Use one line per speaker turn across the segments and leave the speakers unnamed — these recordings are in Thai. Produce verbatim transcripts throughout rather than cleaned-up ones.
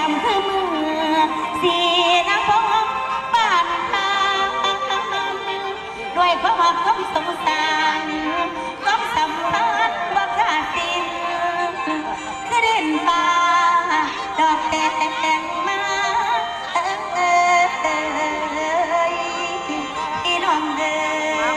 ำคือมือสีน้ำพงบ้านทางด้วยความรักความสงสารความสัมพันธ์บ่ขาดสิ้นคือเด่นฟ้าดอกแดงมาเอ้ยพี่น้องเด้อ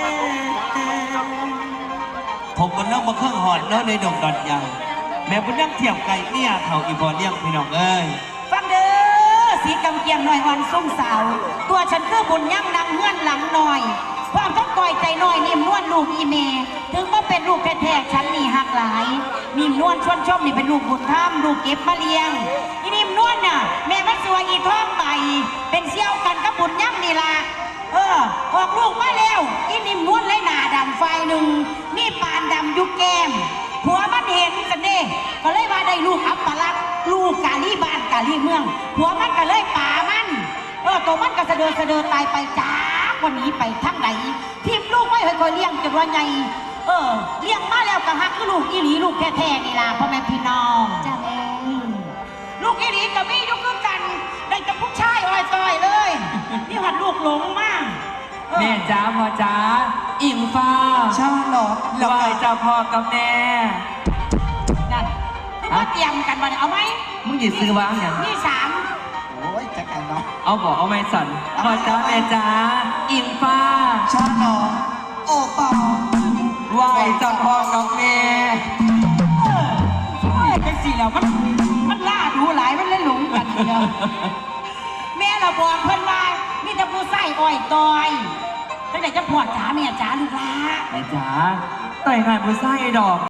ผมก็นั่งมาเครื่องหอดแล้วในดงดอนยางแม่บุญนั่งเทียบไก่เนี่ยเขาอีบอเลี้ยงพี่น้องเอ้ย
ฟังเด้อสีกำเกียงหน่อยอ่อนสุ่มสาวตัวฉันคือบุญยั่งนางเงื่อนหลังหน่อยความต้องก่อยใจหน่อยนิ่มนวลลูกอีเมถึงก็เป็นลูกแท้ๆฉันนี่หักหลายนิ่มนวลชวนชมนี่เป็นลูกบุญธรรมลูกเก็บมาเลี้ยงอีนิ่มนวลน่ะแม่มันสวยอีท้องใบเป็นเสี่ยวกันกับบุญยั่งนี่ล่ะเออออกลูกมาแล้วอีนิ่มนวลเลยหน้าดำไฟหนึ่งมีปานดำยุกแก้มผัวมันเห็นกันเด้ก็เลยว่าได้ลูกอัปลักษณ์ลูกกาลีบ้านกาลีเมืองผัวมันก็เลยป่ามันเออตัวมันก็เสดอเสดอตายไปจ้าวันนี้ไปทั้งไหนทีมลูกไม่เคยคอยเลี้ยงจนว่าไงเออเลี้ยงมาแล้วก็ฮักคือลูกอีหลีลูกแท้ๆนี่ล่ะพ่อแม่พี่น้องจ้าแม่ลูกอีหลีกับมี่ยุคกันได้แต่ผู้ชายอ้อยต้อยเลยนี่หัดลูกหลงมาก
แม่จ้าพ่อจ้าอิงฟ้า
ชอบหรอ
ไหวเจ้าพ่อกับแม่
นั่นว่าเตรียมกันมาเอาไหม
มึงหยิบซื้อวางอย่าง
นี่สาม
โอ้ยจักกันเนาะ
เอาบอกเอาไม่สั่นพ่อจ้าแม่จ้าอิงฟ้า
ชอบหรอโอ้ปอ
ไหวเจ้าพ่อกับแม่
โอ้ยจังสิแล้วมันมันล่าดูหลายมันเล่นหลงกันเลยแม่เราบอกเพื่อนว่ามีแต่ผู้ใส่อ้อยตอยตั้งแต่จะพอดจ๋าแม่จ๋าลูกหลาน
แม่จ๋าต่อยงานผู้ใส่ดอก